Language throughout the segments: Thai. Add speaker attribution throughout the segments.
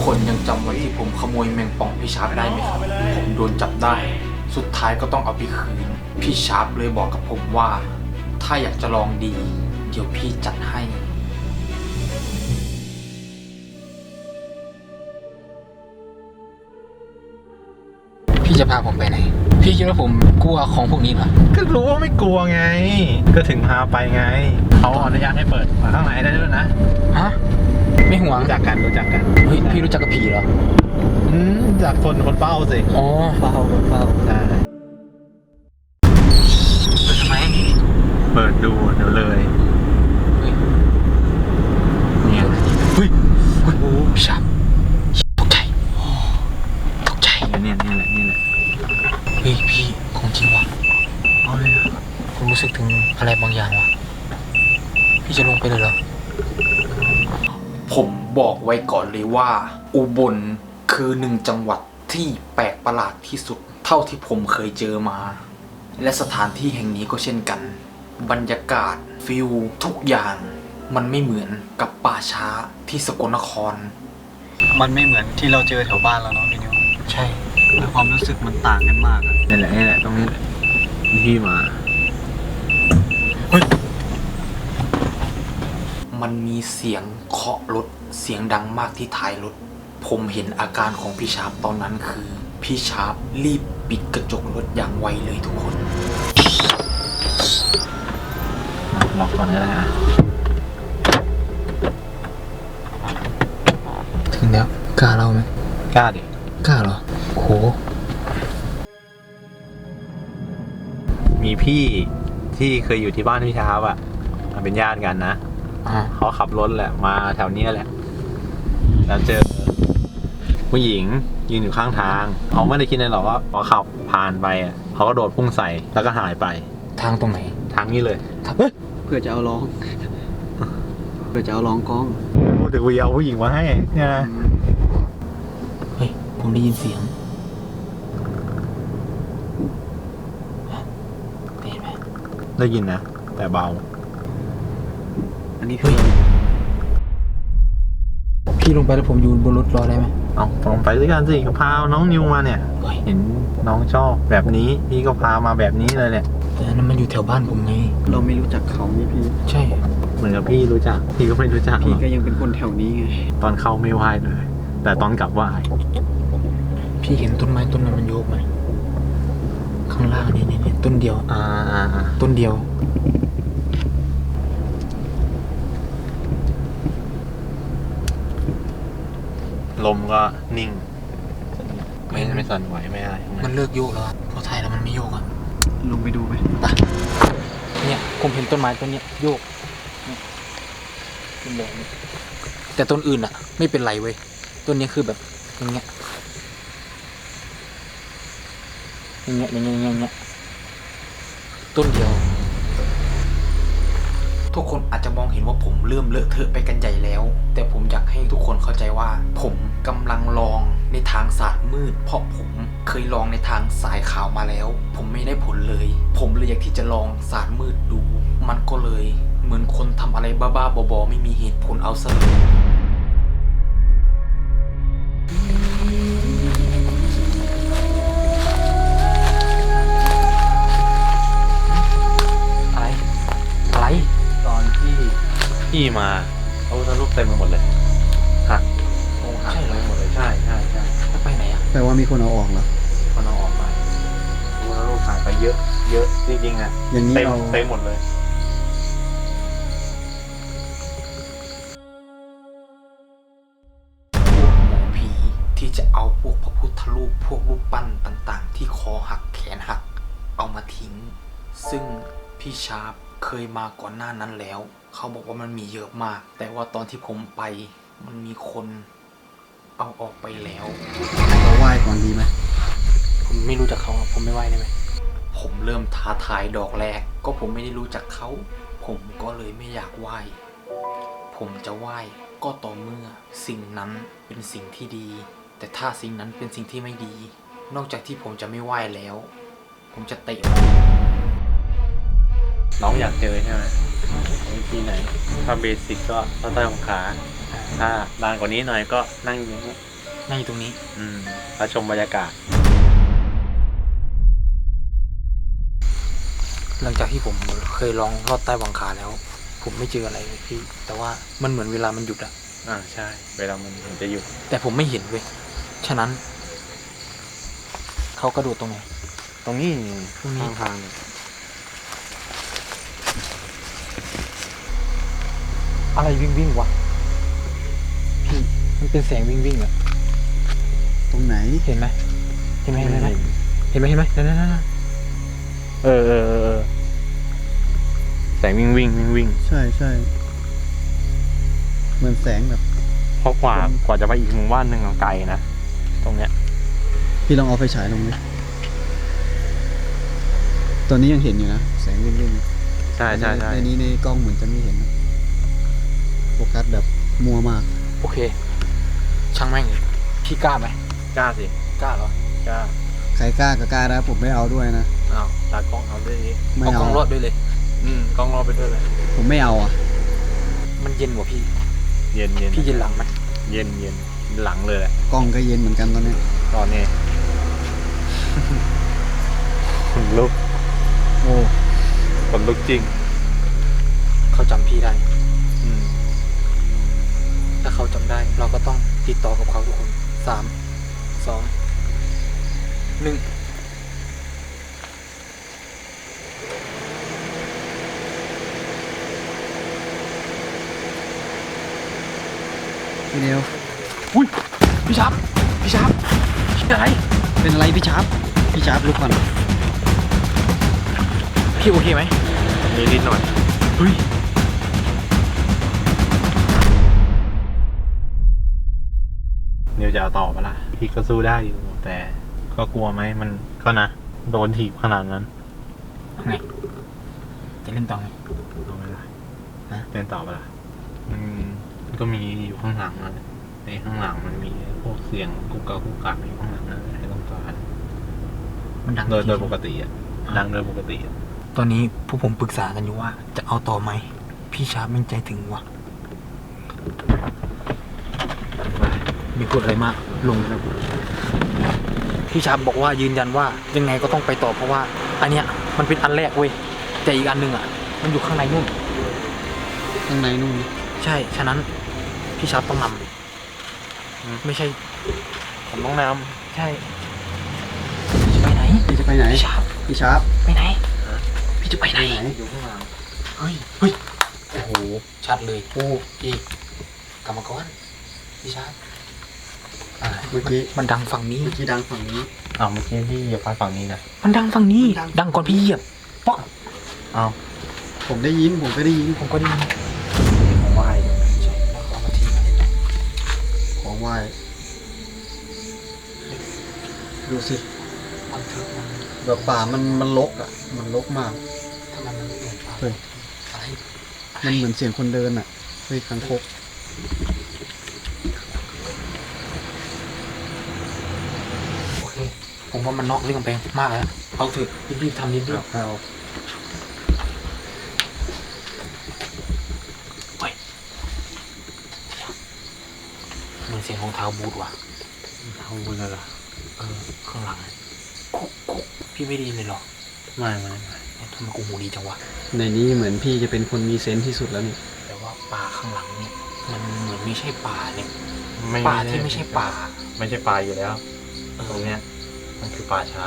Speaker 1: คนยังจำวันที่ผมขโมยแมงป่องพี่ชาร์ปได้ไหมครับผมโดนจับได้สุดท้ายก็ต้องเอาไปคืนพี่ชาร์ปเลยบอกกับผมว่าถ้าอยากจะลองดีเดี๋ยวพี่จัดให้พี่จะพาผมไปไหนพี่คิดว่าผมกลัวของพวกนี้เหรอ
Speaker 2: ก็รู้ว่าไม่กลัวไงก็ถึงพาไปไงเขาอนุญาตให้เปิดมาข้างในได้ด้วยนะ
Speaker 1: ฮะไม่ห่วง
Speaker 2: รู้จักกัน
Speaker 1: เฮ้ยพี่รู้จักกับผีเหรอ
Speaker 2: จากคนเป้าสิ
Speaker 1: อ๋อเป้า
Speaker 2: ใช่
Speaker 1: เปิดทำไม
Speaker 2: เปิดดูเดี๋ยวเลยเนี่ย
Speaker 1: เฮ้ยพี่ชาร์ปตกใจ
Speaker 2: เนี่ยแหละ
Speaker 1: เฮ้ยพี่ของจริงวะ
Speaker 2: เอาเลย
Speaker 1: ผมรู้สึกถึงอะไรบางอย่างวะพี่จะลงไปเลยเหรอผมบอกไว้ก่อนเลยว่าอุบลคือหนึ่งจังหวัดที่แปลกประหลาดที่สุดเท่าที่ผมเคยเจอมาและสถานที่แห่งนี้ก็เช่นกันบรรยากาศฟิลทุกอย่างมันไม่เหมือนกับป่าช้าที่สกลนคร
Speaker 3: มันไม่เหมือนที่เราเจอแถวบ้านแล้วเนาะพี่นิว
Speaker 1: ใช่
Speaker 3: ความรู้สึกมันต่างกันมากอะ
Speaker 2: นี่แหละตรงนี้ที่มา
Speaker 1: เฮ้ยมันมีเสียงเคาะรถเสียงดังมากที่ท้ายรถผมเห็นอาการของพี่ชาร์ปตอนนั้นคือพี่ชาร์ปรีบปิดกระจกรถอย่างไวเลยทุกคน
Speaker 2: ล็อกก่อนก็ได้นะ
Speaker 1: ถึงแล้วกล้าเล่าไหม
Speaker 2: กล้าดิ
Speaker 1: กล้าเหรอโห
Speaker 2: มีพี่ที่เคยอยู่ที่บ้านพี่ชาร์ปอ่ะเป็นญาติกันนะเขาขับรถแหละมาแถวนี้แหละแล้วเจอผู้หญิงยืนอยู่ข้างทางเขาไม่ได้คิดอะไรหรอกว่าพอขับผ่านไปเขาก็โดดพุ่งใส่แล้วก็หายไป
Speaker 1: ทางตรงไหน
Speaker 2: ทางนี้เลย
Speaker 1: ครับ
Speaker 3: เพื่อจะเอาร้องกล้อง
Speaker 2: เดี๋ยวกูเอาผู้หญิงมาให้เนี่ยนะ
Speaker 1: เฮ้ยผมได้ยินเสียงได้ยินไหม
Speaker 2: ได้ยินนะแต่เบา
Speaker 3: อันนี้คือ
Speaker 1: พี่ลงไปแล้วผมอยู่บนรถรอได้ไหม
Speaker 2: เอาลงไปด้วยกันสิเขาพาน้องนิวมาเนี่ยเห็นน้องชอบแบบนี้พี่ก็พามาแบบนี้เลยเนี่ย
Speaker 1: แต่นั้นมันอยู่แถวบ้านผมไง
Speaker 3: เราไม่รู้จักเขานี่พี่
Speaker 1: ใช่
Speaker 2: เหมือนกับพี่รู้จักพี่ก็ไม่รู้จัก
Speaker 3: พี่ก็ยังเป็นคนแถวนี้ไง
Speaker 2: ตอนเข้าไม่ไหวเลยแต่ตอนกลับไหว
Speaker 1: พี่เห็นต้นไม้ต้นนั้นมันโยกไหมข้างล่างนี่ต้นเดียวต้นเดียว
Speaker 2: ลมก็นิ่งไม่สั่นไหวไม่อะไร
Speaker 1: มันเลิกโยกแล้วพอถ่ายแล้วมันไม่โยกอ่ะ
Speaker 3: ลงไปดูไหม
Speaker 1: เนี่ยผมเห็นต้นไม้ต้นนี้โยกเป็นแบบนี้แต่ต้นอื่นอ่ะไม่เป็นไรเว้ยต้นนี้คือแบบอย่างเงี้ยต้นเดียวทุกคนอาจจะมองเห็นว่าผมเริ่มเลอะเทอะไปกันใหญ่แล้วแต่ผมอยากให้ทุกคนเข้าใจว่าผมกำลังลองในทางศาสตร์มืดเพราะผมเคยลองในทางสายขาวมาแล้วผมไม่ได้ผลเลยผมเลยอยากที่จะลองศาสตร์มืดดูมันก็เลยเหมือนคนทำอะไรบ้าๆบอๆไม่มีเหตุผลเอาซะเลย
Speaker 2: พี่มาเอาทะลุเต็มไปหมดเลยหัก
Speaker 1: ใช่เลย
Speaker 2: หมดเลยใช่
Speaker 1: จะไปไหนอ่ะ
Speaker 3: แปลว่ามีคนเอาออกเหรอ
Speaker 2: คนเอาออกมาทะลุหายไปเยอะจริงๆอ่ะ
Speaker 3: อย่างนี้
Speaker 2: เต็มหมดเลย
Speaker 1: หมอผีที่จะเอาพวกพระพุทธรูปพวกรูปปั้นต่างๆที่คอหักแขนหักเอามาทิ้งซึ่งพี่ชาร์ปเคยมาก่อนหน้านั้นแล้วเขาบอกว่ามันมีเยอะมากแต่ว่าตอนที่ผมไปมันมีคนเอาออกไปแล้ว
Speaker 3: เราไหว้ก่อนดีไหม
Speaker 1: ผมไม่รู้จักเขาผมไม่ไหว้ได้ไหมผมเริ่มท้าทายดอกแรกก็ผมไม่ได้รู้จักเขาผมก็เลยไม่อยากไหว้ผมจะไหว้ก็ต่อเมื่อสิ่งนั้นเป็นสิ่งที่ดีแต่ถ้าสิ่งนั้นเป็นสิ่งที่ไม่ดีนอกจากที่ผมจะไม่ไหว้แล้วผมจะเตะ
Speaker 2: น้องอยากเจอใช่ไหมวิธีไหนถ้าเบสิกก็ใต้ของขาถ้านานกว่านี้หน่อยก็นั่งอย่างนี้
Speaker 1: นั่งอยู่ตรงนี้
Speaker 2: มาชมบรรยากาศ
Speaker 1: หลังจากที่ผมเคยลองลอดใต้หวังคาแล้ว ผมไม่เจออะไรเลยพี่ แต่ว่ามันเหมือนเวลามันหยุดอะ
Speaker 2: ใช่ เวลามันจะอยู่
Speaker 1: แต่ผมไม่เห็นเว้ยฉะนั้น เขากระโดดตรงไหน
Speaker 2: ตรงนี้
Speaker 1: ตรงนี้
Speaker 2: ทาง
Speaker 1: อะไรวิ่งวะพี่มันเป็นแสงวิ่งอะ
Speaker 3: ตรงไหน
Speaker 1: เห็นไหมเห็นไหมนั่น
Speaker 2: เออแสงวิ่ง
Speaker 3: ใช่เหมือนแสงแบบ
Speaker 2: เพราะกว่าจะไปอีกหมู่บ้านหนึ่งไกลนะตรงเนี้ย
Speaker 3: พี่ลองเอาไฟฉายลงไหมตอนนี้ยังเห็นอยู่นะแสงวิ่ง
Speaker 2: ใช่
Speaker 3: ในนี้ในกล้องเหมือนจะไม่เห็นนะโฟกัสแบบมัวมาก
Speaker 1: โอเค ช่างแม่งเลยพี่กล้าไหม
Speaker 2: กล้าสิ
Speaker 1: กล้าเหรอก
Speaker 2: ล้า
Speaker 3: ใครกล้าก็กล้านะผมไม่เอาด้วยนะ
Speaker 2: อ้าวตากล้องเอาด้วยดิ
Speaker 3: ไม่
Speaker 1: เอาก
Speaker 3: เอา
Speaker 1: ล้องรอดด้วยเลย
Speaker 2: กล้องรอไปด้วยเลย
Speaker 3: ผมไม่เอาอ่ะ
Speaker 1: มันเย็นกว่าพี่
Speaker 2: เย็น
Speaker 1: พี่เย็นหลังมัน
Speaker 2: เย็นหลังเลยแหละ
Speaker 3: กล้องก็เย็นเหมือนกันตอนนี้
Speaker 2: ตอนนี้ คนลุก
Speaker 3: โอ้
Speaker 2: คนลุกจริง
Speaker 1: เขาจำพี่ได้ ถ้าเขาจำได้ เราก็ต้องติดต่อกับเขาทุกคน 3 2 1
Speaker 3: พี่เนว
Speaker 1: อุ้ยพี่ชับพี่อะไร
Speaker 3: เป็นอะไรพี่ชาร์ปลุกก่อน
Speaker 1: พี่โอเคไหม
Speaker 2: นิดหน่อย
Speaker 1: เฮ้ย
Speaker 2: เดี๋ยวจะเอาต่อปะล่ะพี่ก็สู้ได้อยู่แต่ก็กลัวไหมมันก็นะโดนถีบขนาดนั้น
Speaker 1: ไงจะเล่นต่อไง
Speaker 2: เอาไม่ได้
Speaker 1: ฮะ
Speaker 2: เล่นต่อปะล่ะมันก็มีอยู่ข้างหลังนั่นแหละในข้างหลังมันมีพวกเสียงกุกกักอยู่ข้างหลังนั่นแหละให้ต้องการ
Speaker 1: มันดัง
Speaker 2: โดยปกติอ่ะดังโดยปกติอะ
Speaker 1: ตอนนี้พวกผมปรึกษากันอยู่ว่า จะเอาต่อไหม พี่ชาร์ปแม่งใจถึงว่ะมีพูดอะไรมากลงแล้วพี่ชาร์ปบอกว่ายืนยันว่ายังไงก็ต้องไปต่อเพราะว่า อันเนี้ยมันเป็นอันแรกเว้ยแต่อีกอันหนึ่งอ่ะ มันอยู่ข้างในนู่น
Speaker 3: ข้างในนู่น
Speaker 1: ใช่ ฉะนั้นพี่ชาร์ปต้องนำไม่ใช่
Speaker 2: ผมต้องน
Speaker 1: ใช่จะไปไหน
Speaker 3: พี่จะไปไหน
Speaker 1: พี่ชาร์ป
Speaker 3: พี่ชาร์ป
Speaker 1: ไปไหนพี่จะไปไหน
Speaker 2: อยู่ข้างหลัง
Speaker 1: เฮ้ยโอ้โหชัดเลยโอ้พี่กรรมกรพี่ชาร์ป
Speaker 3: เมื่อกี้
Speaker 1: มันดังฝั่งนี้
Speaker 3: ดังฝั่งนี้
Speaker 2: อ้าวเมื่อกี้พี่เหยียบไปฝั่งนี้นะ
Speaker 1: มันดังฝั่งนี้ ดังก่อนพี่เหยียบป๊อก
Speaker 2: อ้าว
Speaker 3: ผมก็ได้ยิน
Speaker 1: ผมก็ได้ยิน
Speaker 2: ผมว่าอยู่
Speaker 1: ใช่แล้วก็เอามาทิ้งอะไรต่อ
Speaker 3: ของไหว้ดูสิ
Speaker 1: มันทึบมัน
Speaker 3: แบบป่ามันรกอ่ะ มันรกมาก
Speaker 1: ทำไมมันไม่เหมือนป่า
Speaker 3: เฮ้ย
Speaker 1: อะไร
Speaker 3: มันเหมือนเสียงคนเดินอ่ะเฮ้ยคังคก
Speaker 1: โอเคผมว่ามันนอกเรื่องไปมากแล้วเอาเถอะรีบๆทำรีบ
Speaker 3: เอา
Speaker 1: ๆเหมือนเสียงของเท้าบูทว่ะ
Speaker 2: เอาไปเลยเหรอ
Speaker 1: ข้างหลังกุ๊กกุ๊กพี่ไม่ได้ยินเลยเหรอ
Speaker 2: ไม่
Speaker 1: ทำไมกูหูดีจังวะ
Speaker 3: ในนี้เหมือนพี่จะเป็นคนมีเซนส์ที่สุดแล้วนี่
Speaker 1: แต่ว่าป่าข้างหลังเนี่ยมันเหมือนไม่ใช่ป่าเนี่ยป่าที่ไม่ใช่ป่า
Speaker 2: ไม่ใช่ป่าอยู่แล้วตรงเนี้ยมันคือป่าช้า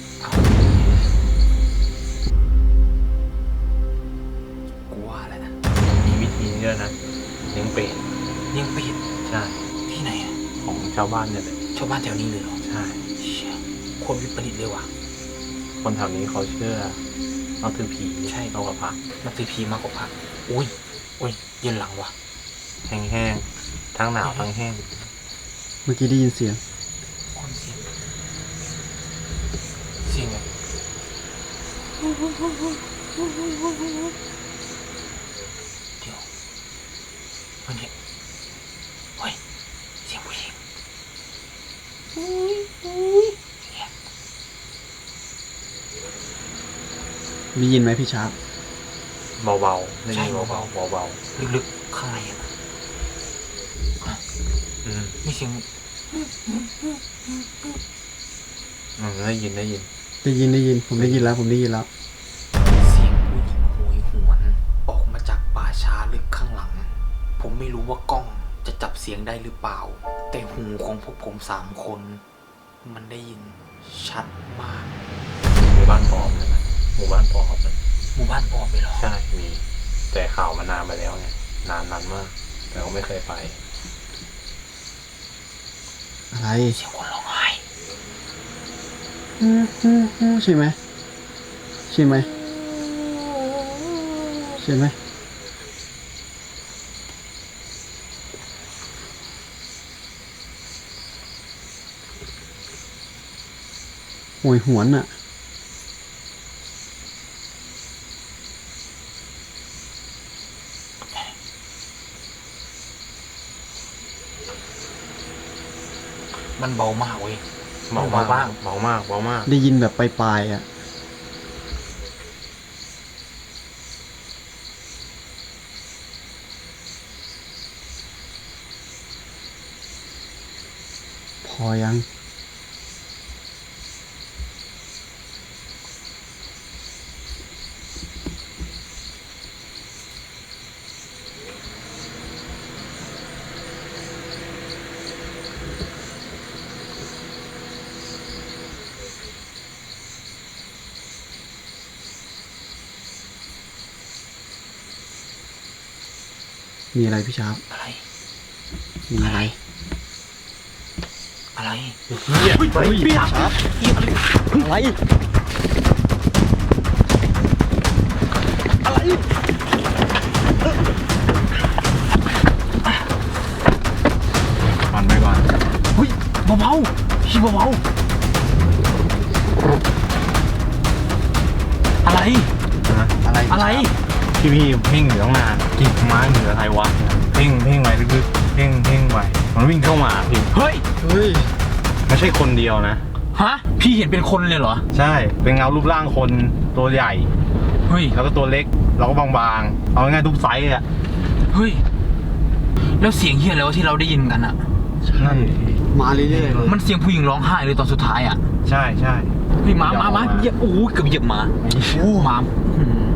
Speaker 1: กูว่าแล้วนะ
Speaker 2: มีวิธีนี้ด้วยนะเลี้ยงเป็ด
Speaker 1: เลี้ยงเป็ด
Speaker 2: ใช่
Speaker 1: ที่ไหนอะ
Speaker 2: ของชาวบ้านเนี่ยแหละ
Speaker 1: ชาวบ้านแถวนี้เลยเหรอ
Speaker 2: ใช่
Speaker 1: เชี่ยคนวิปริตเลยว่ะ
Speaker 2: คนแถวนี้เขาเชื่อนับถือผี
Speaker 1: ใช่
Speaker 2: เอากับพระ
Speaker 1: นับถือผีมากกว่าพระอุ้ยเย็นหลังว่ะ
Speaker 2: แห้งๆทั้งหนาวทั้งแห้ง
Speaker 3: เมื่อกี้ได้ยินเสียง
Speaker 1: คนเสียงแบบเดี๋ยวมันเนี่ยเฮ้ยเสียงผู้หญิงเนี่ย
Speaker 3: ได้ยินไหมพี่ชาร์ป
Speaker 2: เบาๆไม่ใช่เบาๆเบา
Speaker 1: ลึกๆข้างในอะ
Speaker 2: ๆ
Speaker 1: มีเสียง
Speaker 2: ได้ยิน
Speaker 3: ได้ยินผมได้ยินแล้ว
Speaker 1: เสียงผู้หญิงโหยหวนออกมาจากป่าช้าลึกข้างหลัง ผมไม่รู้ว่ากล้องจะจับเสียงได้หรือเปล่า แต่หูของพวกผม3 คน มันได้ยินชัดมาก
Speaker 2: หมู่บ้านปอบเลยนะหมู่บ้านปอบเลย
Speaker 1: หมู่บ้านปอบไปเหรอ
Speaker 2: ใช่มีแต่ข่าวมานานไปแล้วไงนานมากแต่ก็ไม่เคยไป
Speaker 3: อะไร
Speaker 1: เสียงคนร้องไห้
Speaker 3: ใช่ไหมใช่ไหมใช่ไหมโหยหวนอ่ะ
Speaker 1: มันเบามากเว้ย
Speaker 2: เบามาก
Speaker 3: ได้ยินแบบปลายๆอ่ะ พอยัง มีอะไรพี่ชาร์ป
Speaker 1: อะไร
Speaker 3: มีอะไร
Speaker 1: อะไร
Speaker 2: เฮียไปพี่ครับ
Speaker 3: อะไร
Speaker 2: ก่อนไปก่อน
Speaker 1: เฮ้ยเบาๆพี่เบาๆอะไร
Speaker 3: อะไร
Speaker 1: อะไร
Speaker 2: พี่เพ่งอยู่ตั้งนานกิ่งไม้เหนืออะไรวะเพ่งไปลึกๆเพ่งไปมันวิ่งเข้ามาพี่
Speaker 1: เฮ้ย
Speaker 3: เฮ้ย
Speaker 2: ไม่ใช่คนเดียวนะ
Speaker 1: ฮะ พี่เห็นเป็นคนเลยเหรอ
Speaker 2: ใช่เป็นเงารูปร่างคนตัวใหญ่
Speaker 1: เฮ้ย
Speaker 2: แล้วก็ตัวเล็กแล้วก็บางๆเอาง่ายๆทุกไซส์อ่ะ
Speaker 1: เฮ้ย แล้วเสียงเฮียอะไรวะที่เราได้ยินกันอะ
Speaker 2: นั่น
Speaker 3: มาเรื่อยๆเลย
Speaker 1: มันเสียงผู้หญิงร้องไห้เลยตอนสุดท้ายอะ
Speaker 2: ใช่
Speaker 1: เฮ้ยหมาเหยียบโอ้โหเกือบเหยียบหมาโอ้หมา